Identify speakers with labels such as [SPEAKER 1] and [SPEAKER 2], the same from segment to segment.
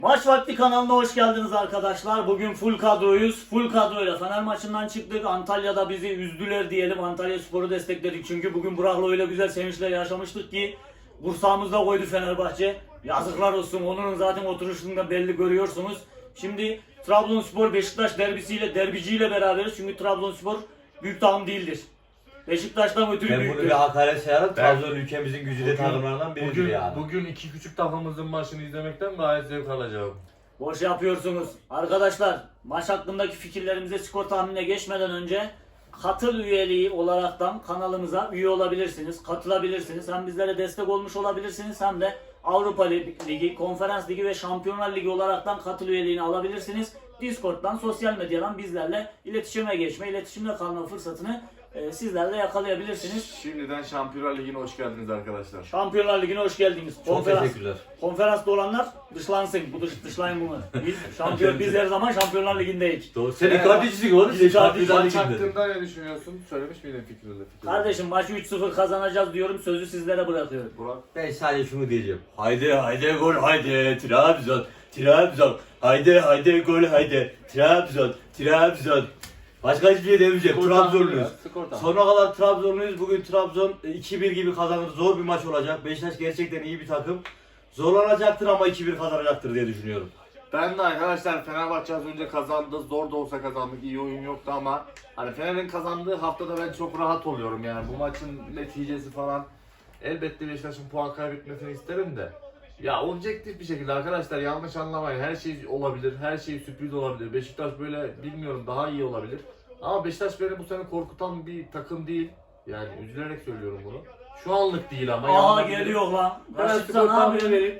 [SPEAKER 1] Maç Vakti kanalına hoş geldiniz arkadaşlar. Bugün full kadroyuz. Full kadroyla Fener maçından çıktık. Antalya'da bizi üzdüler diyelim. Antalyaspor'u destekledik. Çünkü bugün Burak'la öyle güzel sevinçler yaşamıştık ki kursağımızda koydu Fenerbahçe. Yazıklar olsun. Onur'un zaten oturuşunda belli görüyorsunuz. Şimdi Trabzonspor Beşiktaş derbiciyle beraberiz. Çünkü Trabzonspor büyük takım değildir. Beşiktaş'tan ötürü
[SPEAKER 2] Ben bunu
[SPEAKER 1] büyüktür.
[SPEAKER 2] bir hakaret sayarım. Trabzon ülkemizin güzide takımlarından biridir yani.
[SPEAKER 3] Bugün iki küçük takımımızın maçını izlemekten gayet zevk alacağım.
[SPEAKER 1] Boş yapıyorsunuz. Arkadaşlar maç hakkındaki fikirlerimize skor tahminine geçmeden önce katıl üyeliği olaraktan kanalımıza üye olabilirsiniz. Katılabilirsiniz. Hem bizlere destek olmuş olabilirsiniz hem de Avrupa Ligi, Konferans Ligi ve Şampiyonlar Ligi olaraktan katıl üyeliğini alabilirsiniz. Discord'dan, sosyal medyadan bizlerle iletişime geçme, iletişimde kalma fırsatını sizler de yakalayabilirsiniz.
[SPEAKER 3] Şimdiden Şampiyonlar Ligi'ne hoş geldiniz arkadaşlar.
[SPEAKER 1] Şampiyonlar Ligi'ne hoş geldiniz.
[SPEAKER 2] Çok teşekkürler.
[SPEAKER 1] Konferansta olanlar dışlansın. Dışlayın bunu. Biz her zaman Şampiyonlar Ligi'ndeyiz.
[SPEAKER 2] Doğru. Senin kardeşisin oğlum. Sen Şampiyonlar
[SPEAKER 3] Maç
[SPEAKER 2] Ligi'nde.
[SPEAKER 3] hakkında ne düşünüyorsun? Söylemiş miydin fikrini?
[SPEAKER 1] Kardeşim maçı 3-0 kazanacağız diyorum. Sözü sizlere bırakıyorum.
[SPEAKER 3] Burak.
[SPEAKER 2] Ben sadece şunu diyeceğim. Haydi haydi gol haydi Trabzon. Trabzon. Haydi haydi gol haydi Trabzon. Trabzon. Başka hiçbir şey demeyeceğim. Trabzonluyuz. Sonuna kadar Trabzonluyuz. Bugün Trabzon 2-1 gibi kazanır. Zor bir maç olacak. Beşiktaş gerçekten iyi bir takım. Zorlanacaktır ama 2-1 kazanacaktır diye düşünüyorum.
[SPEAKER 3] Ben de arkadaşlar Fenerbahçe az önce kazandı. Zor da olsa kazandık. İyi oyun yoktu ama hani Fener'in kazandığı haftada ben çok rahat oluyorum yani. Bu maçın neticesi falan elbette Beşiktaş'ın puan kaybetmesini isterim de. Ya objektif bir şekilde arkadaşlar yanlış anlamayın. Her şey olabilir. Her şey sürpriz olabilir. Beşiktaş böyle bilmiyorum daha iyi olabilir. Ama Beşiktaş beni bu sene korkutan bir takım değil. Yani üzülerek söylüyorum bunu. Şu anlık değil ama.
[SPEAKER 1] Aha geliyor lan.
[SPEAKER 3] Ben
[SPEAKER 1] Raşit
[SPEAKER 3] skor
[SPEAKER 1] sen ne
[SPEAKER 3] tahmini
[SPEAKER 1] yapıyorsun?
[SPEAKER 3] vereyim.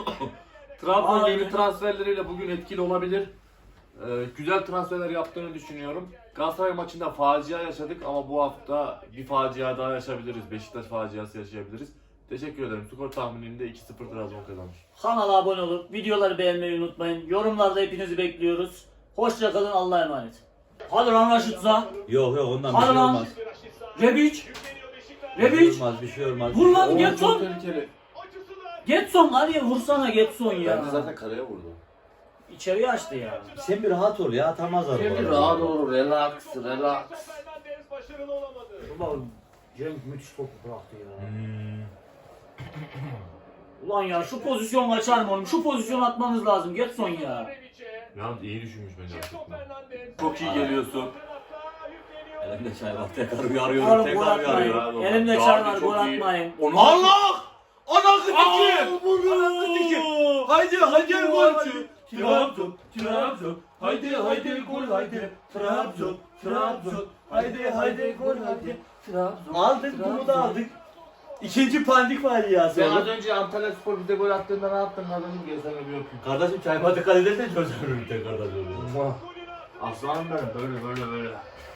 [SPEAKER 3] Trabzon
[SPEAKER 1] Aa,
[SPEAKER 3] yeni
[SPEAKER 1] evet.
[SPEAKER 3] transferleriyle bugün etkili olabilir. Güzel transferler yaptığını düşünüyorum. Galatasaray maçında facia yaşadık ama bu hafta bir facia daha yaşayabiliriz. Beşiktaş faciası yaşayabiliriz. Teşekkür ederim. Skor tahmininde 2-0 Trabzon kazanır.
[SPEAKER 1] Kanala abone olup videoları beğenmeyi unutmayın. Yorumlarda hepinizi bekliyoruz. Hoşça kalın. Allah'a emanet. Hadi lan Raşit'za.
[SPEAKER 2] Yok ondan bir
[SPEAKER 1] Hadi
[SPEAKER 2] şey
[SPEAKER 1] lan.
[SPEAKER 2] olmaz.
[SPEAKER 1] Rebic.
[SPEAKER 2] Bir şey
[SPEAKER 1] Rebic.
[SPEAKER 2] olmaz, bir şey olmaz.
[SPEAKER 1] Vur lan
[SPEAKER 3] Oo, çok
[SPEAKER 1] Getson.
[SPEAKER 3] tehlikeli.
[SPEAKER 1] Getson hadi vursana Getson ya.
[SPEAKER 3] Bence zaten kaleye vurdu.
[SPEAKER 1] İçeriye açtı ya.
[SPEAKER 2] Sen bir rahat ol ya, atamazlar. bu arada.
[SPEAKER 3] rahat olur. Relax.
[SPEAKER 1] Ulan Cenk müthiş topu bıraktı ya.
[SPEAKER 2] Hmm.
[SPEAKER 1] Ulan ya şu pozisyon kaçar mı oğlum? Şu pozisyon atmanız lazım Getson ya.
[SPEAKER 3] Yalnız iyi düşünmüş bence. Çok iyi geliyorsun.
[SPEAKER 2] Elimde çay var, tekrar
[SPEAKER 1] Oğlum
[SPEAKER 2] uyarıyorum,
[SPEAKER 1] gol
[SPEAKER 2] tekrar uyarıyorum.
[SPEAKER 1] atmayın. Elimde çay var gol atmayın.
[SPEAKER 2] Allah! Ana kıtıcı! Ana kıtıcı! Haydi haydi gol! Trabzon, Trabzon, haydi haydi gol haydi Trabzon, Trabzon, haydi haydi gol haydi Trabzon. Aldık bunu da aldık. İkinci pandik var ya
[SPEAKER 3] Sen az
[SPEAKER 2] sonra.
[SPEAKER 3] önce Antalya Spor bize gol attığında ne yaptın? Kardeşim gel sana bir öpeyim.
[SPEAKER 2] Kardeşim çayma dikkat edersen çözerim tekrardan oluyor.
[SPEAKER 3] Aslanım benim böyle.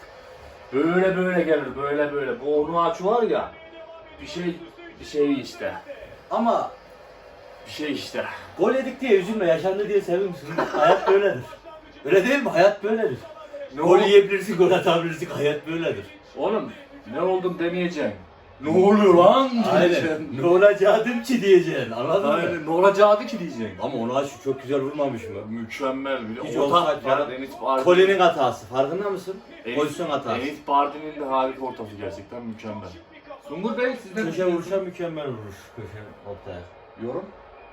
[SPEAKER 3] Böyle gelir böyle. Bu onu aç var ya. Bir şey işte.
[SPEAKER 2] Ama
[SPEAKER 3] Bir şey işte.
[SPEAKER 2] gol yedik diye üzülme, yaşandı diye sevinmişsin. Hayat böyledir. Öyle değil mi? Hayat böyledir. Gol yiyebilirsin, gol atabilirsin. Hayat böyledir.
[SPEAKER 3] Oğlum ne oldum demeyeceksin. Ne oluyor lan
[SPEAKER 2] Aynen.
[SPEAKER 3] diyeceksin.
[SPEAKER 2] Ne olacaktım ki diyeceksin. Anladın mı?
[SPEAKER 3] Aynen. Ne olacaktı ki diyeceksin.
[SPEAKER 2] Ama ona şu çok güzel vurmamış mı?
[SPEAKER 3] Mükemmel bir
[SPEAKER 2] Hiç
[SPEAKER 3] de.
[SPEAKER 2] olsa
[SPEAKER 3] Orta Enis Bardin.
[SPEAKER 2] Kole'nin hatası. Farkında mısın? Pozisyon hatası.
[SPEAKER 3] Enis Bardin'in de harika ortası gerçekten mükemmel. Sungur Bey sizden
[SPEAKER 2] Köşe vuruşa mükemmel vuruş. Köşe ortaya.
[SPEAKER 3] yorum.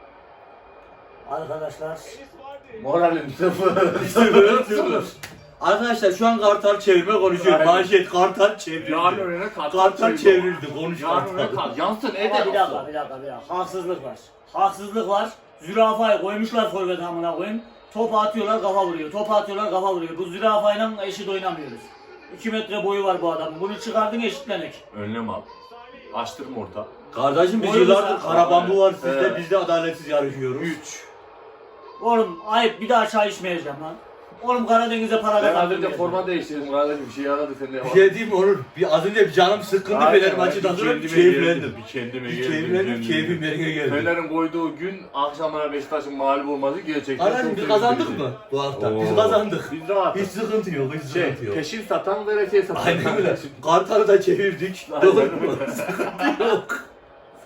[SPEAKER 1] Arkadaşlar
[SPEAKER 3] Moralim sıfır.
[SPEAKER 2] Arkadaşlar şu an kartal çevirme konuşuyor.
[SPEAKER 3] Aynen.
[SPEAKER 2] Manşet kartal çevrildi.
[SPEAKER 3] Yarın önüne
[SPEAKER 2] Kartal çevrildi. Konuş
[SPEAKER 3] Yarın önüne
[SPEAKER 2] kartal.
[SPEAKER 3] kal. Yansın
[SPEAKER 1] ama
[SPEAKER 3] Ede.
[SPEAKER 1] bir dakika. Haksızlık var. Zürafayı koymuşlar forvet amına koyayım. Top atıyorlar kafa vuruyor. Bu zürafayla eşit oynamıyoruz. 2 metre boyu var bu adamın. Bunu çıkardın eşitlenek.
[SPEAKER 3] Önlem al. Açtırma orta.
[SPEAKER 2] Kardeşim biz
[SPEAKER 1] Oyuncu
[SPEAKER 2] yıllardır
[SPEAKER 1] sen-
[SPEAKER 2] karabambu var sizde.
[SPEAKER 3] Evet.
[SPEAKER 2] Biz de adaletsiz yarışıyoruz.
[SPEAKER 3] 3.
[SPEAKER 1] Oğlum ayıp bir daha çay içmeyeceğim lan. Oğlum Karadeniz'e para
[SPEAKER 3] Ben az
[SPEAKER 1] kazandım.
[SPEAKER 3] önce forma değiştirdim kardeşim. Bir şey aradı sen de.
[SPEAKER 2] Bir şey diyeyim mi Onur? Az önce bir canım sıkkındı Fener maçından sonra keyiflendim.
[SPEAKER 3] Bir kendime
[SPEAKER 2] Bir
[SPEAKER 3] geldim.
[SPEAKER 2] keyiflendim, keyfim yerine geldi.
[SPEAKER 3] Fener'in koyduğu gün akşamlara Beşiktaş'ın mağlup olması gerçekten
[SPEAKER 2] Kardeşim
[SPEAKER 3] çok
[SPEAKER 2] biz
[SPEAKER 3] sevindirici.
[SPEAKER 2] kazandık mı bu hafta?
[SPEAKER 3] Oo.
[SPEAKER 2] Biz kazandık.
[SPEAKER 3] Biz rahatız.
[SPEAKER 2] Hiç sıkıntı yok, hiç sıkıntı yok.
[SPEAKER 3] Peşin satan veresiye satan.
[SPEAKER 2] Aynen öyle. Kartal'ı da çevirdik.
[SPEAKER 3] Aynen
[SPEAKER 2] Doğru
[SPEAKER 3] öyle.
[SPEAKER 2] mu? Sıkıntı yok.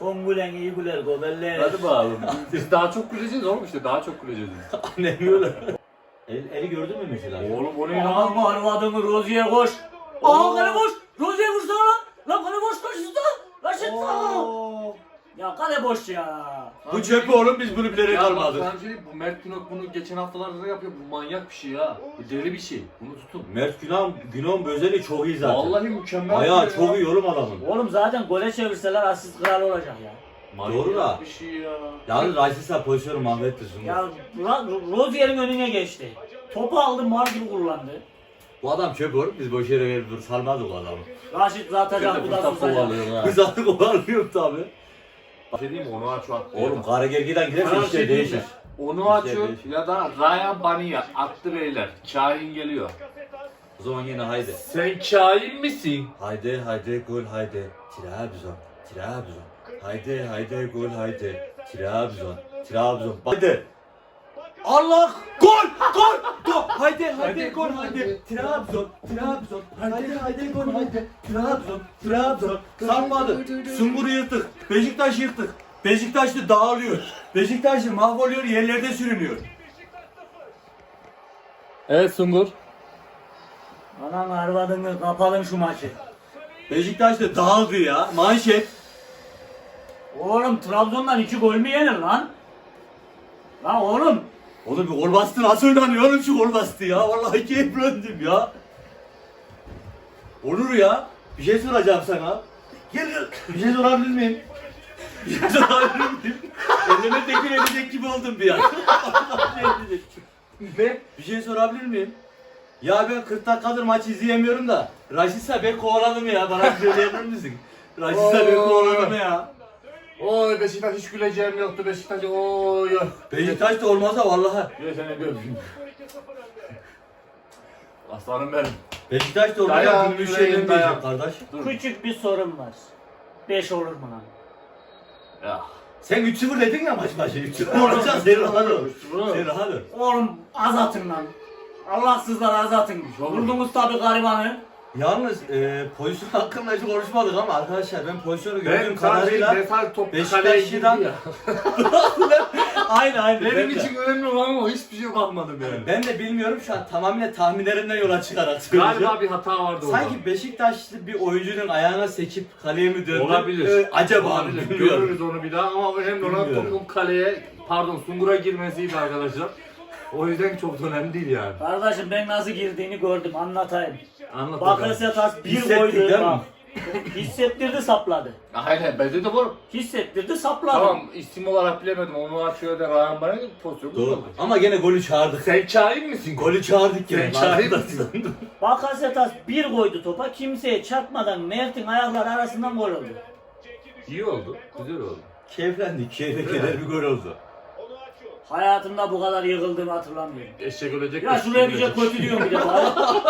[SPEAKER 1] Son gülen iyi güler gobeller.
[SPEAKER 4] Hadi bakalım. Biz daha çok güleceğiz oğlum işte daha çok güleceğiz.
[SPEAKER 2] Annem öyle. Eli gördün mü mesela?
[SPEAKER 4] Oğlum o ne
[SPEAKER 1] Aman
[SPEAKER 4] lan?
[SPEAKER 1] arvadını Rozi'ye koş. Aa kale boş. Rozi'ye koş lan. Lan kale boş karşısında. Raşit sağ.
[SPEAKER 2] Oo.
[SPEAKER 1] Ya kale boş ya.
[SPEAKER 2] Bu çöpü oğlum biz bunu bilerek
[SPEAKER 4] Ya bak
[SPEAKER 2] almadık.
[SPEAKER 4] sana bir şey diyeyim, bu Mert Günok bunu geçen haftalarda da yapıyor. Bu manyak bir şey ya. Bu deli bir şey. Bunu tutun.
[SPEAKER 2] Mert Günok'un Bözeli çok iyi zaten.
[SPEAKER 4] Vallahi mükemmel.
[SPEAKER 2] Ayağı
[SPEAKER 4] bir şey
[SPEAKER 2] çok
[SPEAKER 4] ya.
[SPEAKER 2] iyi oğlum adamın.
[SPEAKER 1] Oğlum zaten gole çevirseler asist kralı olacak ya.
[SPEAKER 4] Manyak
[SPEAKER 2] Doğru da.
[SPEAKER 4] bir şey ya.
[SPEAKER 2] Yalnız Rayses'e pozisyonu mahvetti Sungur.
[SPEAKER 1] Ya Rozier'in önüne geçti. Topu aldı mar gibi kullandı.
[SPEAKER 2] Bu adam çöp oğlum biz boş yere gelip dur sarmadık o adamı.
[SPEAKER 1] Raşit
[SPEAKER 4] Sen
[SPEAKER 1] atacak
[SPEAKER 4] de
[SPEAKER 1] bu da
[SPEAKER 4] fırsat
[SPEAKER 1] susacak.
[SPEAKER 4] kovalıyorsun ha.
[SPEAKER 2] Biz artık olamıyorum tabi.
[SPEAKER 3] Bir şey diyeyim mi? Onu aç at.
[SPEAKER 2] Oğlum Karagergi'den giderse
[SPEAKER 3] Sana bir
[SPEAKER 2] işte
[SPEAKER 3] şey diyeyim
[SPEAKER 2] değişir.
[SPEAKER 3] mi? Onu açıyor ya da Ryan Baniya attı beyler. Kahin geliyor.
[SPEAKER 2] O zaman yine haydi.
[SPEAKER 4] Sen kain misin?
[SPEAKER 2] Haydi haydi gol haydi. Trabzon. Trabzon. Haydi haydi gol haydi. Trabzon. Trabzon. Haydi. Allah! Gol! Gol! Gol! Haydi haydi gol haydi. Trabzon. Trabzon. Haydi haydi gol haydi. Trabzon. Trabzon. Sarmadı. Sungur'u yırttık. Beşiktaş yırttık. Beşiktaşlı dağılıyor. Beşiktaşlı mahvoluyor, yerlerde sürünüyor.
[SPEAKER 4] Evet Sungur.
[SPEAKER 1] Anan arvadını kapalım şu maçı.
[SPEAKER 2] Beşiktaşlı dağıldı ya. Manşet.
[SPEAKER 1] Oğlum Trabzon'dan 2 gol mü yenir lan? Lan oğlum.
[SPEAKER 2] Oğlum bir gol bastı nasıl oynanıyor oğlum şu gol bastı ya. Vallahi keyif döndüm ya. Olur ya. Bir şey soracağım sana. Gel gel. Bir şey sorabilir miyim? Bir şey sorabilir miyim? Elime tekir edecek gibi oldum bir an.
[SPEAKER 4] Ne?
[SPEAKER 2] Bir şey sorabilir miyim? Ya ben 40 dakikadır maç izleyemiyorum da Raşit'se ben kovaladım ya. Bana bir söyleyebilir misin? Raşit'se ben kovaladım ya.
[SPEAKER 3] Oy Beşiktaş hiç güleceğim yoktu Beşiktaş. Oy.
[SPEAKER 2] Beşiktaş da olmasa vallahi.
[SPEAKER 3] Gel seni bir öpeyim. Aslanım benim.
[SPEAKER 2] Beşiktaş da olmasa
[SPEAKER 3] Dayan,
[SPEAKER 2] bir
[SPEAKER 3] yüreğim,
[SPEAKER 2] şeyden
[SPEAKER 3] dayan.
[SPEAKER 2] diyecek kardeş.
[SPEAKER 1] Küçük bir sorun var. 5 olur mu lan?
[SPEAKER 3] Ya.
[SPEAKER 2] Sen 3-0 dedin ya maç başı. 3-0 olacak sen rahat ol. Sen rahat ol.
[SPEAKER 1] Oğlum az atın lan. Allahsızlar az atın. Vurdunuz tabi garibanı.
[SPEAKER 2] Yalnız pozisyon hakkında hiç konuşmadık ama arkadaşlar ben pozisyonu
[SPEAKER 3] Ben
[SPEAKER 2] gördüğüm
[SPEAKER 3] kadarıyla
[SPEAKER 2] kadarıyla
[SPEAKER 3] defal top kaleye girdi
[SPEAKER 2] Beşiktaş'tan
[SPEAKER 3] ya.
[SPEAKER 2] aynı
[SPEAKER 4] Benim
[SPEAKER 2] ben de.
[SPEAKER 4] için önemli olan o hiçbir şey bakmadım yani.
[SPEAKER 2] Ben de bilmiyorum şu an tamamıyla tahminlerimden yola çıkarak söyleyeceğim.
[SPEAKER 4] Galiba bir hata vardı orada.
[SPEAKER 2] Sanki Beşiktaşlı bir oyuncunun ayağına sekip kaleye mi döndü?
[SPEAKER 4] Olabilir.
[SPEAKER 2] Acaba
[SPEAKER 4] Olabilir.
[SPEAKER 2] bilmiyorum.
[SPEAKER 4] Görürüz onu bir daha ama önemli olan
[SPEAKER 2] Bilmiyorum.
[SPEAKER 4] topun kaleye, pardon Sungur'a girmesiydi arkadaşlar. O yüzden çok da önemli değil yani.
[SPEAKER 1] Kardeşim ben nasıl girdiğini gördüm anlatayım.
[SPEAKER 4] Anlat bakalım.
[SPEAKER 1] Bakasetas bir
[SPEAKER 2] Hissettik
[SPEAKER 1] koydu.
[SPEAKER 2] değil mi?
[SPEAKER 1] Bak. Hissettirdi sapladı.
[SPEAKER 3] Aynen bence de bu.
[SPEAKER 1] Hissettirdi sapladı.
[SPEAKER 3] Tamam isim olarak bilemedim onu açıyor da Ryan Baniya pozisyonu
[SPEAKER 2] Doğru.
[SPEAKER 3] buldu.
[SPEAKER 2] Ama gene golü çağırdık.
[SPEAKER 4] Sen kain misin?
[SPEAKER 2] Golü çağırdık gene.
[SPEAKER 4] Sen kain misin?
[SPEAKER 1] Bakasetas bir koydu topa kimseye çarpmadan Mert'in ayakları arasından gol oldu.
[SPEAKER 4] İyi oldu. Güzel oldu.
[SPEAKER 2] Keyiflendik. Keyfe keder bir gol oldu.
[SPEAKER 1] Hayatımda bu kadar yıkıldığımı hatırlamıyorum.
[SPEAKER 4] Eşek ölecek.
[SPEAKER 1] Ya
[SPEAKER 4] eşek
[SPEAKER 1] şuraya bir şey
[SPEAKER 4] ölecek.
[SPEAKER 1] kötü diyorum bir de bari.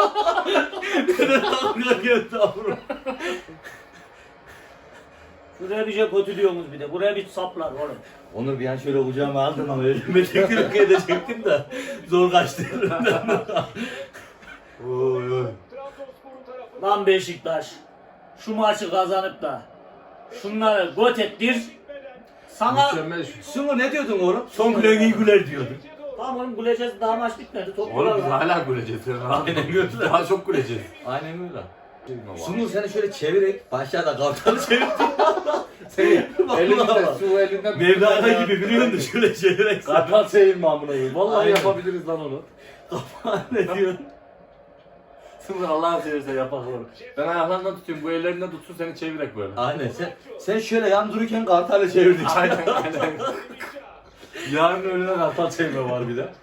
[SPEAKER 1] Şuraya bir şey kötü diyorsunuz bir de. Buraya bir saplar oğlum.
[SPEAKER 2] Onur bir an şöyle kucağıma aldım ama elime tekrar edecektim de zor kaçtı elimden. Oy oy.
[SPEAKER 1] Lan Beşiktaş. Şu maçı kazanıp da şunları got ettir. Sana
[SPEAKER 4] Mükemmel şu.
[SPEAKER 2] Sungur ne diyordun oğlum? Son gülen iyi güler diyordun.
[SPEAKER 1] tamam oğlum güleceğiz daha maç bitmedi. Top
[SPEAKER 4] Oğlum biz
[SPEAKER 1] kurarlar.
[SPEAKER 4] hala güleceğiz. Sen rahat ol.
[SPEAKER 2] Aynen öyle.
[SPEAKER 4] Daha çok güleceğiz.
[SPEAKER 2] Aynen öyle. Sungur seni şöyle çevirerek başlarda kalkanı çevirdin.
[SPEAKER 4] Senin
[SPEAKER 2] Vallahi
[SPEAKER 4] elinden
[SPEAKER 2] bak.
[SPEAKER 4] su elinden
[SPEAKER 2] Mevlana gibi biliyor musun? Şöyle çevirerek.
[SPEAKER 4] Kartal çevirme amına koyayım. Vallahi
[SPEAKER 2] Aynen.
[SPEAKER 4] yapabiliriz lan onu.
[SPEAKER 2] Ne diyorsun?
[SPEAKER 4] Sınır Allah'ın seversen yapak onu. Ben ayaklarından tutuyorum. Bu ellerinden tutsun seni çevirek böyle.
[SPEAKER 2] Aynen sen şöyle yan dururken kartalı çevirdin.
[SPEAKER 4] Aynen aynen. Yarın öğleden kartal çevirme var bir de.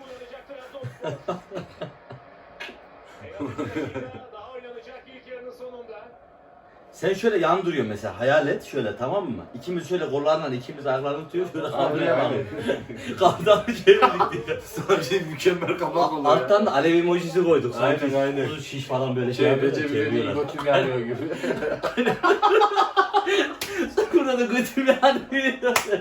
[SPEAKER 2] Sen şöyle yan duruyorsun mesela hayal et şöyle tamam mı? İkimiz şöyle kollarla ikimiz ayaklarını tutuyoruz şöyle kaldırıyoruz. Kartalı çevirdik diye.
[SPEAKER 4] Sana bir şey mükemmel kapak oluyor ya.
[SPEAKER 2] Alttan da alev emojisi koyduk.
[SPEAKER 4] Aynen,
[SPEAKER 2] Sanki
[SPEAKER 4] aynen.
[SPEAKER 2] Uzun şiş falan böyle
[SPEAKER 4] Çevrece bir
[SPEAKER 2] çeviriyorlar.
[SPEAKER 4] götüm yanıyor gibi.
[SPEAKER 2] Burada da götümü yanıyor.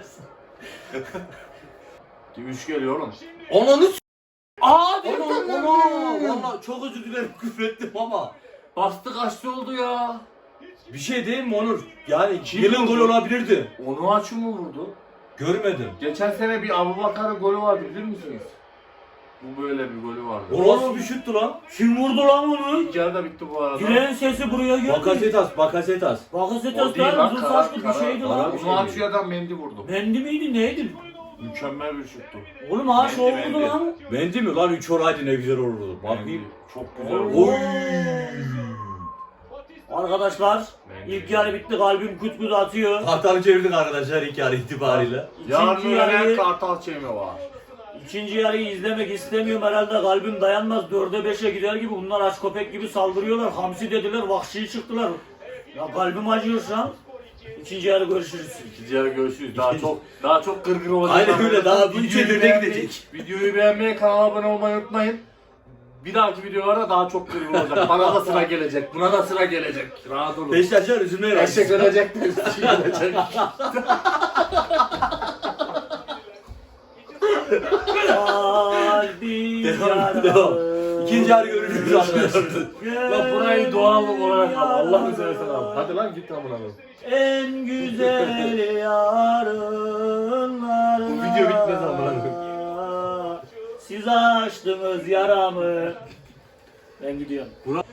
[SPEAKER 3] 3 geliyor oğlum.
[SPEAKER 2] Ananı s***.
[SPEAKER 4] Aa
[SPEAKER 2] Valla çok özür dilerim küfür ettim ama.
[SPEAKER 4] Bastı kaçtı oldu ya.
[SPEAKER 2] Bir şey değil mi Onur? Yani yılın golü olabilirdi.
[SPEAKER 4] Onu açı mı vurdu?
[SPEAKER 2] Görmedim.
[SPEAKER 4] Geçen sene bir Abubakar'ın golü vardı bilir misiniz? Bu böyle bir golü vardı.
[SPEAKER 2] O nasıl bir şuttu lan?
[SPEAKER 1] Kim vurdu lan onu?
[SPEAKER 4] İlk yarıda bitti bu arada.
[SPEAKER 1] Giren sesi buraya geldi.
[SPEAKER 2] Bakasetas, Bakasetas.
[SPEAKER 1] Bakasetas
[SPEAKER 4] O değil
[SPEAKER 1] lan
[SPEAKER 4] lan,
[SPEAKER 1] uzun
[SPEAKER 4] karar-
[SPEAKER 1] saçlı bir
[SPEAKER 4] karar-
[SPEAKER 1] şeydi
[SPEAKER 2] karar-
[SPEAKER 1] lan.
[SPEAKER 4] Onu açıyadan Mendy vurdu.
[SPEAKER 1] Mendi miydi neydi?
[SPEAKER 4] Mükemmel bir şuttu.
[SPEAKER 1] Oğlum ha şov
[SPEAKER 3] Mendi,
[SPEAKER 1] vurdu
[SPEAKER 3] Mendi.
[SPEAKER 1] lan.
[SPEAKER 2] Mendi mi lan 3 oraydı ne güzel olurdu. Bakayım.
[SPEAKER 4] Çok güzel
[SPEAKER 1] Oy.
[SPEAKER 4] oldu.
[SPEAKER 1] Arkadaşlar ilk yarı bitti, kalbim kut kut atıyor.
[SPEAKER 2] Kartalı çevirdik arkadaşlar ilk yarı itibariyle.
[SPEAKER 3] Yarın
[SPEAKER 1] İkinci
[SPEAKER 3] öğlen
[SPEAKER 1] yarıyı,
[SPEAKER 3] Kartal Çemi var.
[SPEAKER 1] ikinci yarıyı izlemek istemiyorum herhalde, kalbim dayanmaz, 4'e 5'e gider gibi. Bunlar aç köpek gibi saldırıyorlar, hamsi dediler, vahşi çıktılar. Ya kalbim acıyor şu an. İkinci yarı görüşürüz.
[SPEAKER 4] İkinci yarı görüşürüz. Daha çok gırgır olacak.
[SPEAKER 2] Aynen öyle, daha bu
[SPEAKER 4] Videoyu
[SPEAKER 2] içe
[SPEAKER 4] beğenmeyi-
[SPEAKER 2] gidecek.
[SPEAKER 4] Videoyu beğenmeyi, kanala abone olmayı unutmayın. Bir dahaki videolarda daha çok gırgır olacak. Bana da sıra gelecek. Buna da sıra gelecek. Rahat olun.
[SPEAKER 2] Beşiktaşlar üzülmeye
[SPEAKER 4] Eşek
[SPEAKER 2] başladı.
[SPEAKER 4] ölecek de üstü gelecek.
[SPEAKER 1] Kalbim
[SPEAKER 2] Devam, devam. İkinci yarı görüşürüz arkadaşlar.
[SPEAKER 4] Lan burayı doğal olarak al. Allah'ını seversen al. Hadi lan git amına koyayım.
[SPEAKER 1] en güzel yarınlar.
[SPEAKER 4] Bu video bitmez amına
[SPEAKER 1] Siz açtınız yaramı. Ben gidiyorum.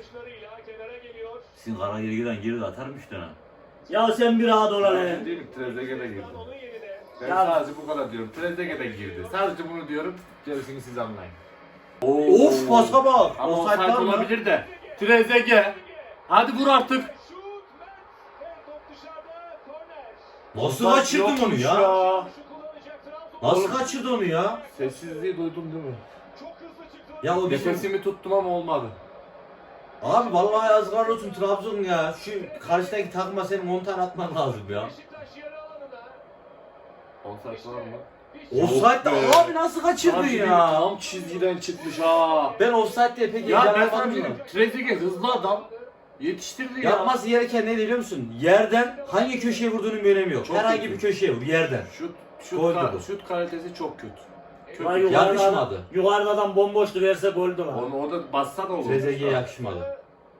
[SPEAKER 2] Sizin kara geri geri atarmış dönem.
[SPEAKER 1] Ya sen bir rahat ol hele.
[SPEAKER 3] Değil mi? Trezeguet de girdi. Ben
[SPEAKER 1] Ya-
[SPEAKER 3] sadece bu kadar diyorum. Trezeguet de girdi. Sadece bunu diyorum. Gerisini siz anlayın.
[SPEAKER 2] Of pasa bak.
[SPEAKER 4] Ama
[SPEAKER 2] Offside
[SPEAKER 4] offside
[SPEAKER 2] var mı?
[SPEAKER 4] olabilir de. Trezeguet. Hadi vur artık.
[SPEAKER 2] Nasıl kaçırdın onu ya? Nasıl
[SPEAKER 3] Oğlum.
[SPEAKER 2] kaçırdı onu ya?
[SPEAKER 3] Sessizliği duydum değil mi?
[SPEAKER 2] Ya o bizim...
[SPEAKER 4] Nefesimi tuttum ama olmadı.
[SPEAKER 2] Abi vallahi yazıklar olsun Trabzon ya. Şu karşıdaki takıma senin 10 tane atman lazım ya.
[SPEAKER 3] Offside var mı?
[SPEAKER 2] Offside
[SPEAKER 3] be.
[SPEAKER 2] de abi nasıl kaçırdın
[SPEAKER 4] Sanki
[SPEAKER 2] ya?
[SPEAKER 4] Tam çizgiden çıkmış ha.
[SPEAKER 2] Ben offside diye pek
[SPEAKER 4] Ya ben sana
[SPEAKER 2] heyecanlanmadım
[SPEAKER 4] bir
[SPEAKER 2] da.
[SPEAKER 4] Trezeguet hızlı adam. Yetiştirdi ya.
[SPEAKER 2] Yapması gereken neydi biliyor musun? Yerden hangi köşeye vurduğunun bir önemi yok.
[SPEAKER 3] Çok
[SPEAKER 2] Herhangi
[SPEAKER 3] kötü.
[SPEAKER 2] bir köşeye vur yerden. Gol dedi.
[SPEAKER 3] Şut kalitesi çok kötü.
[SPEAKER 1] Vay,
[SPEAKER 3] Kötü.
[SPEAKER 2] Yakışmadı.
[SPEAKER 1] Yukarıdan bomboştu, verse goldü lan.
[SPEAKER 3] Onu orada bassa da olur.
[SPEAKER 2] Trezeguet'e yakışmadı.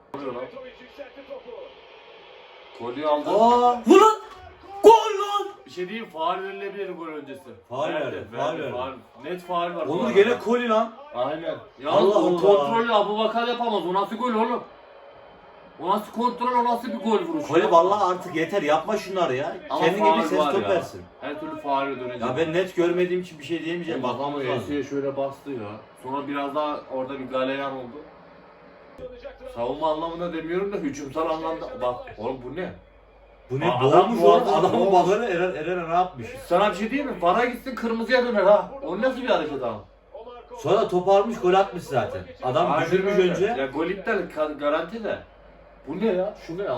[SPEAKER 3] Golü aldı.
[SPEAKER 2] Aa!
[SPEAKER 1] Vur lan! Gol lan!
[SPEAKER 4] Bir şey diyeyim, faul verilebilir gol öncesi.
[SPEAKER 2] Faul verdi, faul verdi.
[SPEAKER 4] Net faul var. bu
[SPEAKER 2] Onur
[SPEAKER 4] arada.
[SPEAKER 2] gene koli lan.
[SPEAKER 4] Aynen. Ya
[SPEAKER 2] Allah
[SPEAKER 4] o
[SPEAKER 2] Allah.
[SPEAKER 4] kontrolü Abubakar yapamaz. O nasıl gol oğlum? O nasıl kontrol, o nasıl bir gol vuruşu?
[SPEAKER 2] Koli vallahi artık yeter yapma şunları ya.
[SPEAKER 4] Ama
[SPEAKER 2] Kendine
[SPEAKER 4] faul
[SPEAKER 2] bir ses
[SPEAKER 4] var
[SPEAKER 2] top
[SPEAKER 4] ya.
[SPEAKER 2] versin.
[SPEAKER 4] Her türlü faule dönecek.
[SPEAKER 2] Ya ben net görmediğim için bir şey diyemeyeceğim.
[SPEAKER 4] Bakama
[SPEAKER 2] Bakmamız lazım.
[SPEAKER 4] Esi'ye şöyle bastı ya. Sonra biraz daha orada bir galeyan oldu. Savunma anlamında demiyorum da hücumsal anlamda. Bak oğlum bu ne?
[SPEAKER 2] Bu ne?
[SPEAKER 4] Aa,
[SPEAKER 2] Doğmuş
[SPEAKER 4] adam
[SPEAKER 2] oğlum.
[SPEAKER 4] boğazına
[SPEAKER 2] Adamın
[SPEAKER 4] doğmuş.
[SPEAKER 2] bakını Eren ne yapmış?
[SPEAKER 4] Sana bir şey diyeyim mi? Vara gitsin kırmızıya döner ha. O nasıl bir hareket abi?
[SPEAKER 2] Sonra top almış gol atmış zaten. Adam
[SPEAKER 4] Aynen
[SPEAKER 2] düşürmüş
[SPEAKER 4] öyle.
[SPEAKER 2] önce.
[SPEAKER 4] Ya gol iptal garanti de. Bu ne ya? Şu ne ya?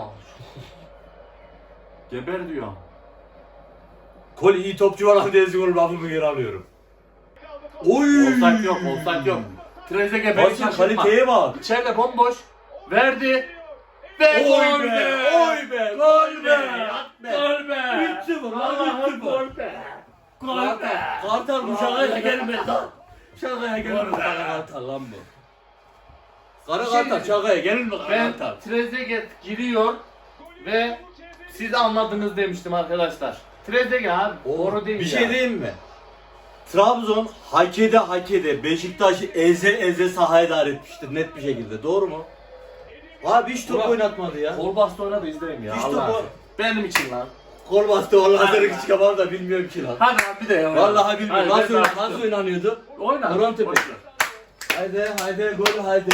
[SPEAKER 4] Geber diyor.
[SPEAKER 2] Koli iyi topçu var lan diye gol lafımı geri alıyorum. Oy!
[SPEAKER 4] Offside yok, offside yok. Trezeguet beni
[SPEAKER 2] Bakın
[SPEAKER 4] şaşırtma.
[SPEAKER 2] kaliteye bak.
[SPEAKER 4] İçeride bomboş. Verdi. Ve
[SPEAKER 2] Oy
[SPEAKER 4] gol
[SPEAKER 2] be,
[SPEAKER 4] be!
[SPEAKER 2] oy be,
[SPEAKER 4] Gol be!
[SPEAKER 2] at be.
[SPEAKER 4] Gol be!
[SPEAKER 2] 3-0 lan,
[SPEAKER 4] Allah'ım
[SPEAKER 2] 3-0.
[SPEAKER 4] gol be! Gol be!
[SPEAKER 2] Kartal bu şakaya gelmez lan. Şakaya gelmez.
[SPEAKER 4] Gol be.
[SPEAKER 2] Kara Kartal lan bu. Kara
[SPEAKER 4] Bir şey
[SPEAKER 2] Kartal şakaya gelir mi Kara
[SPEAKER 4] Ben
[SPEAKER 2] Kartal?
[SPEAKER 4] Trezeguet giriyor ve siz anladınız demiştim arkadaşlar. Trezeguet abi doğru değil
[SPEAKER 2] Bir
[SPEAKER 4] ya.
[SPEAKER 2] şey diyeyim mi? Trabzon hak ede Beşiktaş'ı eze sahaya dair etmiştir net bir şekilde. Doğru mu? Abi hiç top
[SPEAKER 4] Ulan-
[SPEAKER 2] oynatmadı ya.
[SPEAKER 4] Kol bastı oynadı izleyin ya.
[SPEAKER 2] Hiç
[SPEAKER 4] Allah
[SPEAKER 2] topu-
[SPEAKER 4] aşkına. Benim için lan.
[SPEAKER 2] Kol bastı vallahi
[SPEAKER 4] Hadi
[SPEAKER 2] seni
[SPEAKER 4] lan.
[SPEAKER 2] çıkamam da bilmiyorum ki lan.
[SPEAKER 4] Hadi abi bir de ya.
[SPEAKER 2] Vallahi bilmiyorum.
[SPEAKER 4] Hadi,
[SPEAKER 2] Nasıl,
[SPEAKER 4] ben
[SPEAKER 2] nasıl oynanıyordu?
[SPEAKER 4] Oyna.
[SPEAKER 2] Orhan Tepe.
[SPEAKER 4] Boş ver.
[SPEAKER 2] Haydi gol haydi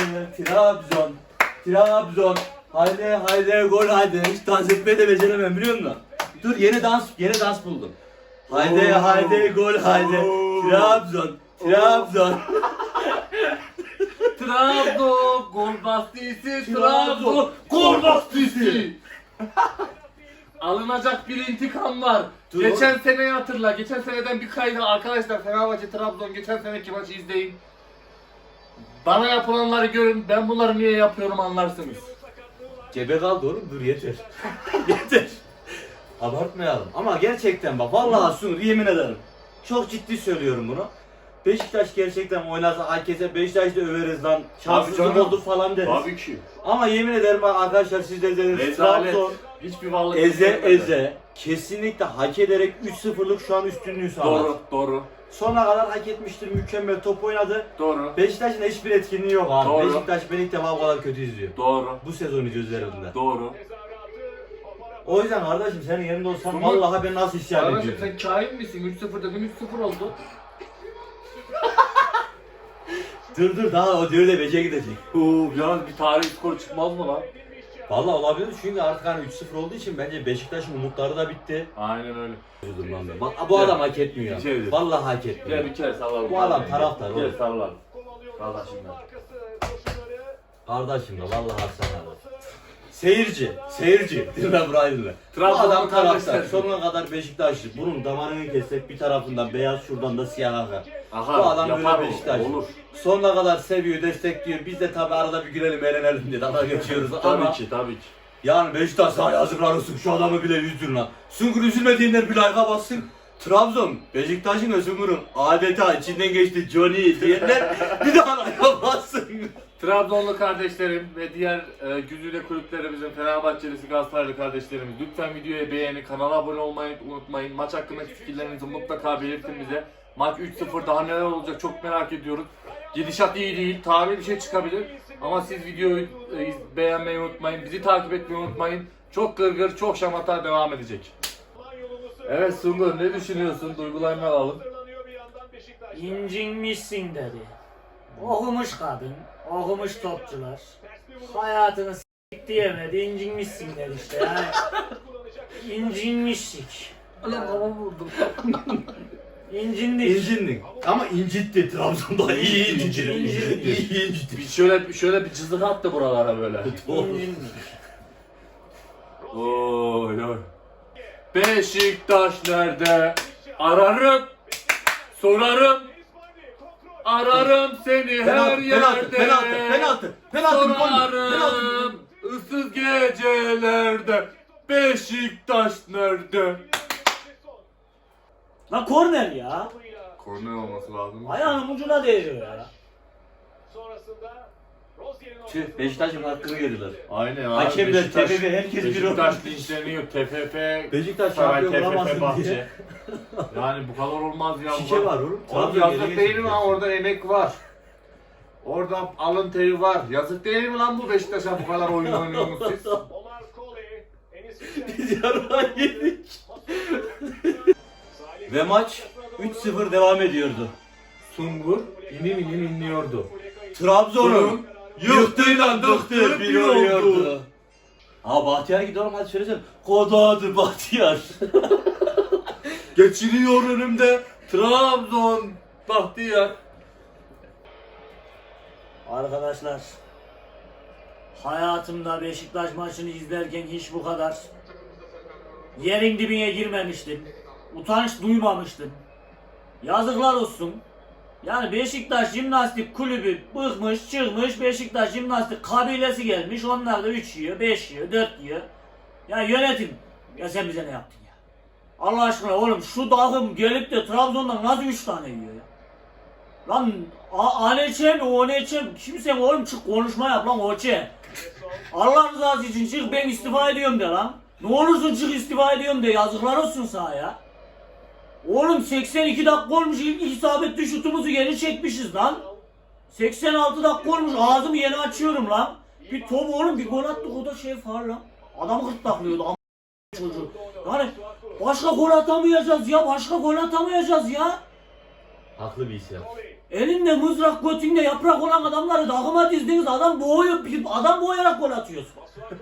[SPEAKER 2] Trabzon haydi gol haydi hiç dans etmeyi de beceremem biliyor musun? Dur yeni dans buldum. Haydi gol haydi Trabzon
[SPEAKER 4] Trabzon gol bastıysı Trabzon gol bastıysı. Alınacak bir intikam var.
[SPEAKER 2] Dur
[SPEAKER 4] Geçen seneyi hatırla. Geçen seneden bir kaydı arkadaşlar. Fenerbahçe Trabzon geçen seneki maçı izleyin. Bana yapılanları görün. Ben bunları niye yapıyorum anlarsınız.
[SPEAKER 2] Cebe kaldı oğlum dur yeter. Yeter. Abartmayalım ama gerçekten bak vallahi Sunur yemin ederim. Çok ciddi söylüyorum bunu. Beşiktaş gerçekten oynasa herkese Beşiktaş'ta överiz lan.
[SPEAKER 3] Tabii
[SPEAKER 2] Şanssızlık
[SPEAKER 3] canım.
[SPEAKER 2] oldu falan deriz.
[SPEAKER 3] Tabii ki.
[SPEAKER 2] Ama yemin ederim bak arkadaşlar siz de izlediniz.
[SPEAKER 3] Rezalet.
[SPEAKER 2] Trabzon
[SPEAKER 3] Hiçbir varlık
[SPEAKER 2] eze
[SPEAKER 3] göstermedi.
[SPEAKER 2] eze kesinlikle hak ederek 3-0'lık şu an üstünlüğü sağladı.
[SPEAKER 3] Doğru, doğru,
[SPEAKER 2] Sonuna kadar hak etmiştir. Mükemmel top oynadı.
[SPEAKER 3] doğru,
[SPEAKER 2] Beşiktaş'ın hiçbir etkinliği yok abi.
[SPEAKER 3] Doğru.
[SPEAKER 2] Beşiktaş beni ilk defa bu kadar kötü izliyor.
[SPEAKER 3] doğru,
[SPEAKER 2] Bu sezon gözlerimde.
[SPEAKER 3] doğru.
[SPEAKER 2] O yüzden kardeşim senin yerinde olsam
[SPEAKER 4] Umut,
[SPEAKER 2] vallahi ben nasıl isyan
[SPEAKER 4] Kardeşim
[SPEAKER 2] ediyorum.
[SPEAKER 4] sen kain misin? 3-0 dedim 3-0 oldu.
[SPEAKER 2] Dur daha o diyor da Beşiktaş'a gidecek.
[SPEAKER 3] Yalnız bir tarih skor çıkmaz mı lan?
[SPEAKER 2] Vallahi olabilir çünkü artık hani 3-0 olduğu için bence Beşiktaş'ın umutları da bitti.
[SPEAKER 3] Aynen öyle.
[SPEAKER 2] Bak bu adam hak etmiyor.
[SPEAKER 3] İçeri.
[SPEAKER 2] Vallahi hak etmiyor.
[SPEAKER 3] Gel bir kere sallalım.
[SPEAKER 2] Bu adam taraftar
[SPEAKER 3] Gel
[SPEAKER 2] oğlum.
[SPEAKER 3] sallalım. Kardeşim ben.
[SPEAKER 2] Kardeşim de vallahi haksana. Seyirci. Dinle burayı dinle. Bu
[SPEAKER 3] Trabzon'un
[SPEAKER 2] adam taraftar.
[SPEAKER 3] kardeşler.
[SPEAKER 2] Sonuna kadar Beşiktaşlı. Bunun damarını kessek bir tarafından beyaz şuradan da siyah akar.
[SPEAKER 3] Aha,
[SPEAKER 2] Bu adam
[SPEAKER 3] yapar
[SPEAKER 2] böyle
[SPEAKER 3] o,
[SPEAKER 2] Beşiktaşlı.
[SPEAKER 3] olur.
[SPEAKER 2] Sonuna kadar seviyor, destekliyor. Biz de tabi arada bir gülelim, eğlenelim diye dalga geçiyoruz
[SPEAKER 3] Tabii
[SPEAKER 2] ama
[SPEAKER 3] ki, tabii ki.
[SPEAKER 2] yani Beşiktaş sana yazıklar olsun. Şu adamı bile üzdün lan. Sungur üzülmediğinden bir like'a bassın. Trabzon, Beşiktaş'ın ve Sungur'un adeta içinden geçti Johnny diyenler bir daha like'a bassın.
[SPEAKER 3] Trabzonlu kardeşlerim ve diğer güzide kulüplerimizin Fenerbahçelisi, Galatasaraylı kardeşlerimiz lütfen videoya beğeni, kanala abone olmayı unutmayın. Maç hakkındaki fikirlerinizi mutlaka belirtin bize. Maç 3-0 daha neler olacak çok merak ediyoruz. Gidişat iyi değil, tarihi bir şey çıkabilir. Ama siz videoyu beğenmeyi unutmayın, bizi takip etmeyi unutmayın. Çok gırgır, çok şamata devam edecek. Evet Sungur, ne düşünüyorsun? Duygularını alalım.
[SPEAKER 1] İncinmişsin dedi. Okumuş kadın, okumuş topçular. Hayatını s**k diyemedi, incinmişsin dedi işte yani. İncinmiştik.
[SPEAKER 4] Ulan kafamı vurdum.
[SPEAKER 1] İncindik.
[SPEAKER 2] İncindik. Ama incitti Trabzon'da iyi incitti. İyi incitti.
[SPEAKER 3] Şöyle bir cızık attı buralara böyle.
[SPEAKER 1] İncindik.
[SPEAKER 3] Oy oy. Beşiktaş nerede? Ararım, sorarım. Ararım seni her yerde.
[SPEAKER 2] Penaltı.
[SPEAKER 3] Sorarım ıssız gecelerde. Beşiktaş nerede?
[SPEAKER 1] La korner ya.
[SPEAKER 3] Korner olması lazım.
[SPEAKER 1] Ayağının ucuna değiyor ya.
[SPEAKER 2] Tüh Beşiktaş'ın hakkını yediler.
[SPEAKER 3] Aynen abi.
[SPEAKER 2] Hakemler, TFF, herkes bir
[SPEAKER 3] Beşiktaş
[SPEAKER 2] olmuş.
[SPEAKER 3] linçleniyor. TFF,
[SPEAKER 2] Beşiktaş
[SPEAKER 3] Saray,
[SPEAKER 2] şampiyon
[SPEAKER 3] TFF,
[SPEAKER 2] olamasın
[SPEAKER 3] Bahçe.
[SPEAKER 2] diye.
[SPEAKER 3] Yani bu kadar olmaz ya.
[SPEAKER 2] Şike var oğlum.
[SPEAKER 3] Oğlum
[SPEAKER 2] Trabzon
[SPEAKER 3] yazık
[SPEAKER 2] geri
[SPEAKER 3] değil mi lan?
[SPEAKER 2] geçecek.
[SPEAKER 3] Orada emek var. Orada alın teri var. Yazık değil mi lan bu Beşiktaş'a bu kadar oyun oynuyorsunuz siz?
[SPEAKER 2] Biz yarıdan yedik. Ve maç 3-0 devam ediyordu.
[SPEAKER 3] Sungur inim inim inliyordu.
[SPEAKER 2] Trabzon'un yıktığıyla dıktı bir oluyordu.
[SPEAKER 3] oldu.
[SPEAKER 2] Aa Bahtiyar gidiyor hadi söylesene. Kodadı Bahtiyar.
[SPEAKER 3] Geçiriyor önümde Trabzon Bahtiyar.
[SPEAKER 1] Arkadaşlar, hayatımda Beşiktaş maçını izlerken hiç bu kadar yerin dibine girmemiştim. Utanç duymamıştım. Yazıklar olsun. Yani Beşiktaş Jimnastik Kulübü bıkmış, çıkmış, Beşiktaş Jimnastik kabilesi gelmiş. Onlar da 3 yiyor, 5 yiyor, 4 yiyor. Ya yönetim, ya sen bize ne yaptın ya? Allah aşkına oğlum şu takım gelip de Trabzon'dan nasıl 3 tane yiyor ya? Lan Aneçe mi Oneçe mi? Kimsen oğlum çık konuşma yap lan Oçe. Allah rızası için çık ben istifa ediyorum de lan. Ne olursun çık istifa ediyorum de yazıklar olsun sana ya. Oğlum 82 dakika olmuş ilk isabetli şutumuzu geri çekmişiz lan. 86 dakika olmuş ağzımı yeni açıyorum lan. Bir top oğlum bir gol attık o da şey faul lan. Adamı gırtlaklıyordu am çocuğu. Yani başka gol atamayacağız ya başka gol atamayacağız ya.
[SPEAKER 2] Haklı bir isyan.
[SPEAKER 1] Elinde mızrak götünde yaprak olan adamları takıma dizdiniz adam boğayarak gol atıyorsun.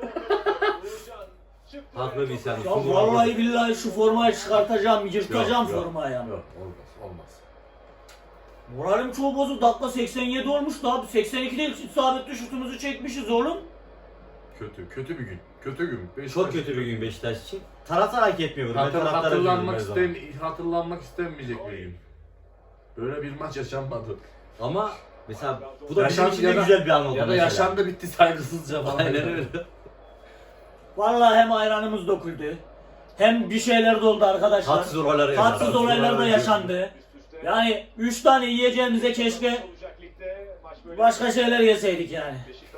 [SPEAKER 2] Haklı bir isyan.
[SPEAKER 1] Ya vallahi billahi şu formayı çıkartacağım, yırtacağım
[SPEAKER 3] Yok,
[SPEAKER 1] formayı ama.
[SPEAKER 3] Yok olmaz.
[SPEAKER 1] Moralim çoğu bozuk. Dakika 87 olmuş da abi. 82'de isabetli şutumuzu çekmişiz oğlum.
[SPEAKER 3] Kötü bir gün. Kötü gün.
[SPEAKER 2] Çok kötü bir gün Beşiktaş için. Taraftar hak etmiyor. Ben taraftara
[SPEAKER 3] Hatırlanmak
[SPEAKER 2] üzülüyorum her zaman.
[SPEAKER 3] hatırlanmak istenmeyecek bir gün. Böyle bir maç yaşanmadı.
[SPEAKER 2] Ama mesela bu da
[SPEAKER 3] Yaşan-
[SPEAKER 2] bizim için de
[SPEAKER 3] ya da-
[SPEAKER 2] güzel bir an oldu.
[SPEAKER 3] Ya da
[SPEAKER 2] mesela.
[SPEAKER 3] yaşandı bitti saygısızca falan.
[SPEAKER 2] Aynen öyle.
[SPEAKER 1] Vallahi hem ayranımız döküldü. Hem bir şeyler de oldu arkadaşlar.
[SPEAKER 2] Tatsız olaylar
[SPEAKER 1] Tatsız olaylar da yaşandı. Yani 3 tane yiyeceğimize keşke başka şeyler yeseydik yani.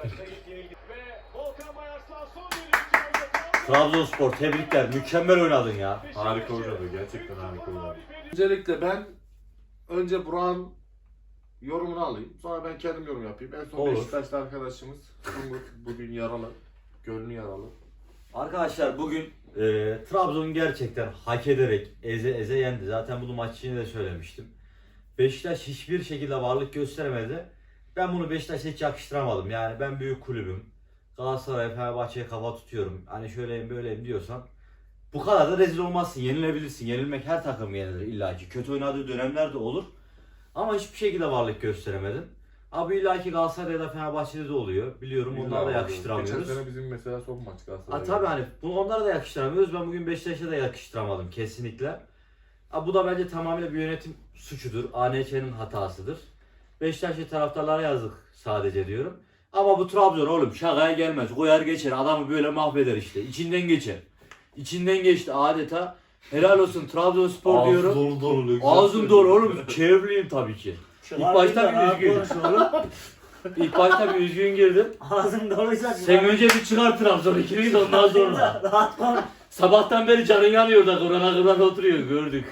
[SPEAKER 2] Trabzonspor tebrikler. Mükemmel oynadın ya.
[SPEAKER 3] Harika oynadı. Gerçekten harika oynadı. Öncelikle ben önce Burak'ın yorumunu alayım. Sonra ben kendim yorum yapayım. En son
[SPEAKER 2] Olur.
[SPEAKER 3] Beşiktaşlı arkadaşımız Umut bugün yaralı. Gönlü yaralı.
[SPEAKER 2] Arkadaşlar bugün Trabzon gerçekten hak ederek eze yendi. Zaten bunu maç içinde de söylemiştim. Beşiktaş hiçbir şekilde varlık gösteremedi. Ben bunu Beşiktaş'a hiç yakıştıramadım. Yani ben büyük kulübüm. Galatasaray, Fenerbahçe'ye kafa tutuyorum. Hani şöyleyim böyleyim diyorsan bu kadar da rezil olmazsın. Yenilebilirsin. Yenilmek her takım yenilir illaki. Kötü oynadığı dönemler de olur. Ama hiçbir şekilde varlık gösteremedin. Abi illaki Galatasaray'da da Fenerbahçe'de de oluyor. Biliyorum onlara da yakıştıramıyoruz.
[SPEAKER 3] Geçen sene bizim mesela son maç Galatasaray'da.
[SPEAKER 2] Tabii hani bunu onlara da yakıştıramıyoruz. Ben bugün Beşiktaş'a da yakıştıramadım kesinlikle. Bu da bence tamamıyla bir yönetim suçudur. ANÇ'nin hatasıdır. Beşiktaşlı taraftarlara yazık sadece diyorum. Ama bu Trabzon oğlum şakaya gelmez. Koyar geçer. Adamı böyle mahveder işte. İçinden geçer. İçinden geçti adeta. Helal olsun Trabzonspor diyorum.
[SPEAKER 3] Ağzım dolu.
[SPEAKER 2] Ağzım dolu oğlum. Çevreliyim tabii ki. İlk başta bir üzgün. İlk başta bir üzgün girdim.
[SPEAKER 1] Ağzım doluysa
[SPEAKER 2] Sen önce bir çıkar Trabzon ikiliyi de ondan sonra.
[SPEAKER 1] rahat konuş.
[SPEAKER 2] Sabahtan beri canın yanıyor da kırana oturuyor gördük.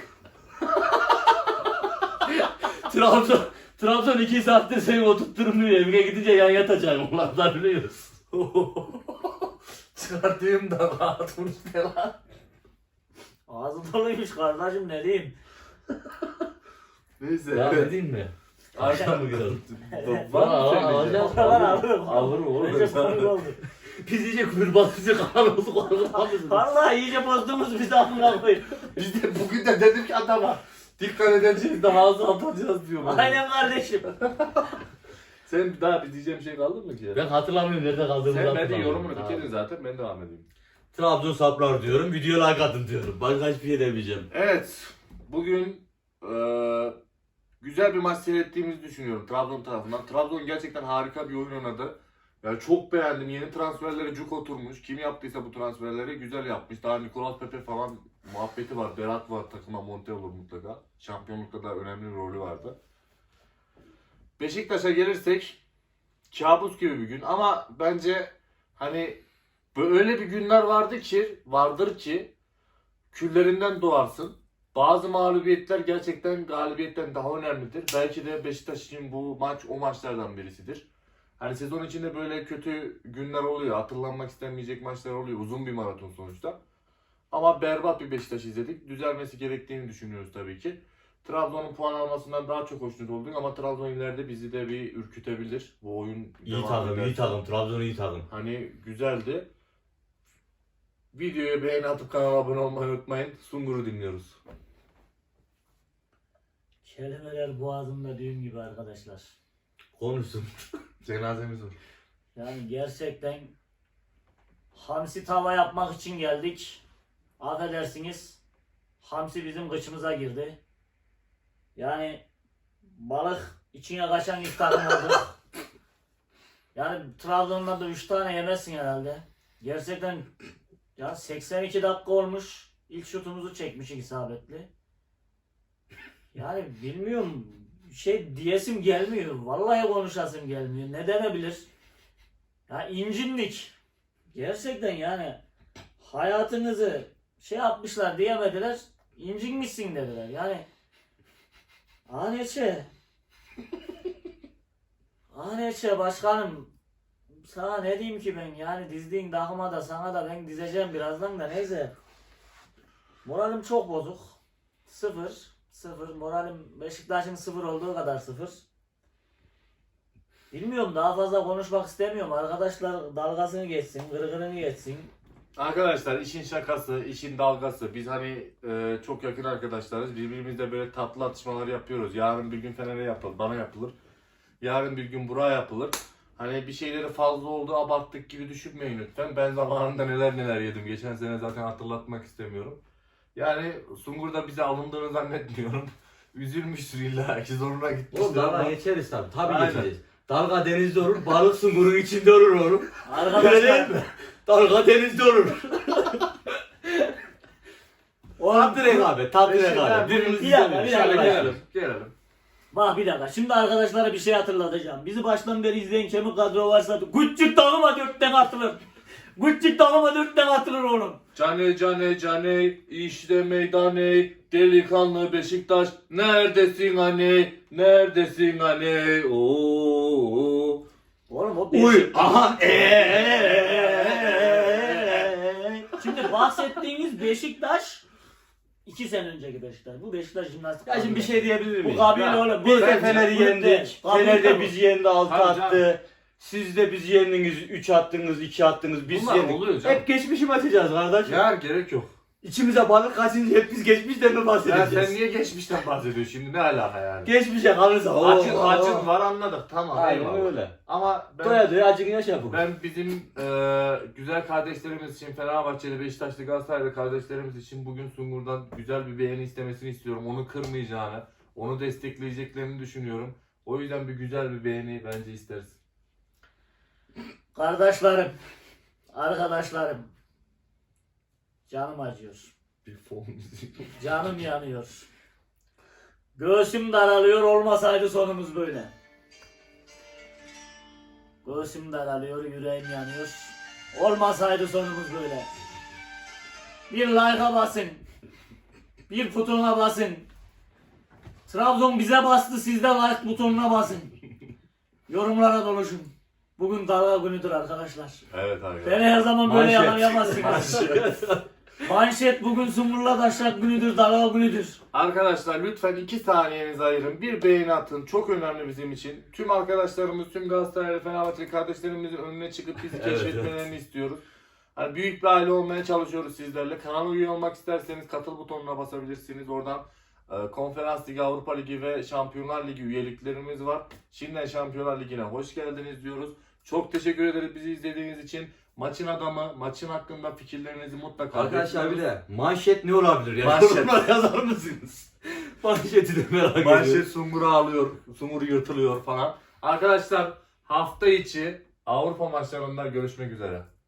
[SPEAKER 2] Trabzon 2 saattir seni oturtturmuyor. Evine gidince yan yatacağım. Onlardan biliyoruz.
[SPEAKER 4] Çıkartayım da rahat konuş ne lan.
[SPEAKER 1] Ağzım doluymuş kardeşim ne diyeyim.
[SPEAKER 3] Neyse.
[SPEAKER 2] Ya
[SPEAKER 3] evet.
[SPEAKER 2] ne diyeyim mi? Arkadan mı girelim?
[SPEAKER 3] Var mı söyleyeceğim?
[SPEAKER 1] O kadar alırım.
[SPEAKER 2] Alırım oğlum.
[SPEAKER 1] Neyse komik oldu.
[SPEAKER 2] Biz iyice kuyrubatlıcı kalan olduk.
[SPEAKER 1] Vallahi iyice bozdunuz bizi amına koyayım.
[SPEAKER 4] Biz de bugün de dedim ki adama dikkat edeceğiz de ağzı atacağız diyor bana.
[SPEAKER 1] Aynen kardeşim.
[SPEAKER 4] Sen daha bir diyeceğim şey kaldı mı ki?
[SPEAKER 2] Ben hatırlamıyorum nerede kaldığımı
[SPEAKER 3] Sen ben de
[SPEAKER 2] hatırlamıyorum.
[SPEAKER 3] yorumunu bitirdin zaten. Ben devam edeyim.
[SPEAKER 2] Trabzon saplar diyorum. Video like atın diyorum. Başka hiçbir şey demeyeceğim.
[SPEAKER 3] Evet. Bugün güzel bir maç seyrettiğimizi düşünüyorum Trabzon tarafından. Trabzon gerçekten harika bir oyun oynadı. Yani çok beğendim. Yeni transferlere cuk oturmuş. Kim yaptıysa bu transferleri güzel yapmış. Daha Nicolas Pepe falan muhabbeti var. Berat var. Takıma monte olur mutlaka. Şampiyonlukta da önemli bir rolü vardı. Beşiktaş'a gelirsek kabus gibi bir gün ama bence hani böyle bir günler vardır ki küllerinden doğarsın. Bazı mağlubiyetler gerçekten galibiyetten daha önemlidir. Belki de Beşiktaş için bu maç o maçlardan birisidir. Hani sezon içinde böyle kötü günler oluyor. Hatırlanmak istenmeyecek maçlar oluyor. Uzun bir maraton sonuçta. Ama berbat bir Beşiktaş izledik. Düzelmesi gerektiğini düşünüyoruz tabii ki. Trabzon'un puan almasından daha çok hoşnut olduk ama Trabzon ileride bizi de bir ürkütebilir. Bu oyun
[SPEAKER 2] İyi takım, iyi takım. Trabzon iyi takım.
[SPEAKER 3] Hani güzeldi. Videoya beğeni atıp kanala abone olmayı unutmayın. Sungur'u dinliyoruz.
[SPEAKER 1] Kelimeler boğazımda düğüm gibi arkadaşlar.
[SPEAKER 2] Konuşsun.
[SPEAKER 3] Cenazemiz var.
[SPEAKER 1] Yani gerçekten hamsi tava yapmak için geldik. Affedersiniz. Hamsi bizim kıçımıza girdi. Yani balık içine kaçan ilk takım oldu. Yani Trabzon'dan da 3 tane yemezsin herhalde. Gerçekten ya 82 dakika olmuş. İlk şutumuzu çekmiş isabetli. Yani bilmiyorum diyesim gelmiyor. Vallahi konuşasım gelmiyor. Ne denebilir? Ya incindik. Gerçekten yani hayatınızı yapmışlar diyemediler. İncinmişsin dediler. Yani ANÇ başkanım sana ne diyeyim ki ben yani dizdiğin takıma da sana da ben dizeceğim birazdan da neyse. Moralim çok bozuk. Sıfır. Moralim Beşiktaş'ın 0 olduğu kadar 0. Bilmiyorum daha fazla konuşmak istemiyorum. Arkadaşlar dalgasını geçsin, gırgırını geçsin.
[SPEAKER 3] Arkadaşlar işin şakası, işin dalgası. Biz hani çok yakın arkadaşlarız. Birbirimizle böyle tatlı atışmalar yapıyoruz. Yarın bir gün Fener'e yapılır, bana yapılır. Yarın bir gün Burak'a yapılır. Hani bir şeyleri fazla oldu, abarttık gibi düşünmeyin lütfen. Ben zamanında neler yedim. Geçen sene zaten hatırlatmak istemiyorum. Yani Sungur da bize alındığını zannetmiyorum. Üzülmüştür illa ki zoruna gitmiştir.
[SPEAKER 2] Oğlum dalga geçeriz tabii. Tabii
[SPEAKER 3] Aynen.
[SPEAKER 2] geçeriz. Dalga denizde olur, balık sungurun içinde olur oğlum. Öyle değil
[SPEAKER 1] Arkadaşlar
[SPEAKER 2] mi? Dalga denizde olur. Tatlı rekabet, tatlı
[SPEAKER 3] Beşiktaş-
[SPEAKER 2] rekabet. Birbirimizi
[SPEAKER 1] Bir dakika,
[SPEAKER 2] izlemiyoruz.
[SPEAKER 1] bir dakika.
[SPEAKER 3] Şöyle
[SPEAKER 1] Şöyle
[SPEAKER 3] gelelim. Gelelim.
[SPEAKER 1] Bak bir dakika. Şimdi arkadaşlara bir şey hatırlatacağım. Bizi baştan beri izleyen kemik kadro varsa Gucci takıma 4'ten atılır. Gucci takıma 4'ten atılır oğlum.
[SPEAKER 4] Cane işte meydane delikanlı Beşiktaş neredesin hani neredesin hani ooo.
[SPEAKER 1] Oğlum o
[SPEAKER 2] Uy,
[SPEAKER 1] Beşiktaş.
[SPEAKER 2] aha,
[SPEAKER 1] Şimdi bahsettiğiniz Beşiktaş 2 sene önceki Beşiktaş. Bu Beşiktaş jimnastik.
[SPEAKER 2] Ya şimdi bir şey diyebilir miyim?
[SPEAKER 1] Bu kabil
[SPEAKER 3] Ya,
[SPEAKER 1] oğlum.
[SPEAKER 2] Biz de
[SPEAKER 3] Bence
[SPEAKER 2] Fener'i
[SPEAKER 1] bu
[SPEAKER 2] yendik.
[SPEAKER 1] değil. Kabil
[SPEAKER 2] Fener de
[SPEAKER 1] tabii.
[SPEAKER 2] bizi yendi, 6
[SPEAKER 3] Tabii
[SPEAKER 2] attı. Siz de bizi yendiniz, 3 attınız, 2 attınız, biz
[SPEAKER 3] Bunlar
[SPEAKER 2] yendik.
[SPEAKER 3] oluyor canım.
[SPEAKER 2] Hep geçmişi açacağız kardeş.
[SPEAKER 3] Ya gerek yok.
[SPEAKER 2] İçimize balık kaçınca hep biz geçmişten mi
[SPEAKER 3] Ya
[SPEAKER 2] bahsedeceğiz?
[SPEAKER 3] sen niye geçmişten bahsediyorsun şimdi, ne alaka yani?
[SPEAKER 2] Geçmişe kalırsa.
[SPEAKER 3] Acın var, anladık, tamam,
[SPEAKER 2] Aynen
[SPEAKER 3] eyvallah.
[SPEAKER 2] öyle.
[SPEAKER 3] Ama
[SPEAKER 2] Doya doya acını yaşa bu.
[SPEAKER 3] ben bizim güzel kardeşlerimiz için, Fenerbahçeli, Beşiktaşlı, Galatasaraylı kardeşlerimiz için bugün Sungur'dan güzel bir beğeni istemesini istiyorum. Onu kırmayacağını, onu destekleyeceklerini düşünüyorum. O yüzden bir güzel bir beğeni bence isteriz.
[SPEAKER 1] Kardeşlerim, arkadaşlarım, canım acıyor,
[SPEAKER 3] Bir fon müziği.
[SPEAKER 1] canım yanıyor, göğsüm daralıyor, olmasaydı sonumuz böyle. Göğsüm daralıyor, yüreğim yanıyor, olmasaydı sonumuz böyle. Bir like'a basın, bir butonuna basın. Trabzon bize bastı, siz de like butonuna basın. Yorumlara doluşun. Bugün dalga günüdür arkadaşlar.
[SPEAKER 3] Evet abi.
[SPEAKER 1] Beni her zaman böyle
[SPEAKER 2] Manşet.
[SPEAKER 1] yakalayamazsınız. Manşet bugün Sumurla Taşak günüdür, dalga günüdür.
[SPEAKER 3] Arkadaşlar lütfen 2 saniyenizi ayırın. Bir beğeni atın. Çok önemli bizim için. Tüm arkadaşlarımız, tüm Galatasaraylı, Fenerbahçeli kardeşlerimizin önüne çıkıp bizi
[SPEAKER 2] Evet,
[SPEAKER 3] keşfetmelerini istiyoruz. Hani büyük bir aile olmaya çalışıyoruz sizlerle. Kanala üye olmak isterseniz katıl butonuna basabilirsiniz. Oradan Konferans Ligi, Avrupa Ligi ve Şampiyonlar Ligi üyeliklerimiz var. Şimdiden Şampiyonlar Ligi'ne hoş geldiniz diyoruz. Çok teşekkür ederiz bizi izlediğiniz için. Maçın adamı, maçın hakkında fikirlerinizi mutlaka
[SPEAKER 2] Arkadaşlar bir
[SPEAKER 3] bekliyoruz.
[SPEAKER 2] de manşet ne olabilir ya?
[SPEAKER 3] Manşet.
[SPEAKER 2] Yorumlara yazar mısınız? Manşeti de merak ediyorum.
[SPEAKER 3] Manşet Sungur'u alıyor, Sungur yırtılıyor falan. Arkadaşlar hafta içi Avrupa maçlarında görüşmek üzere.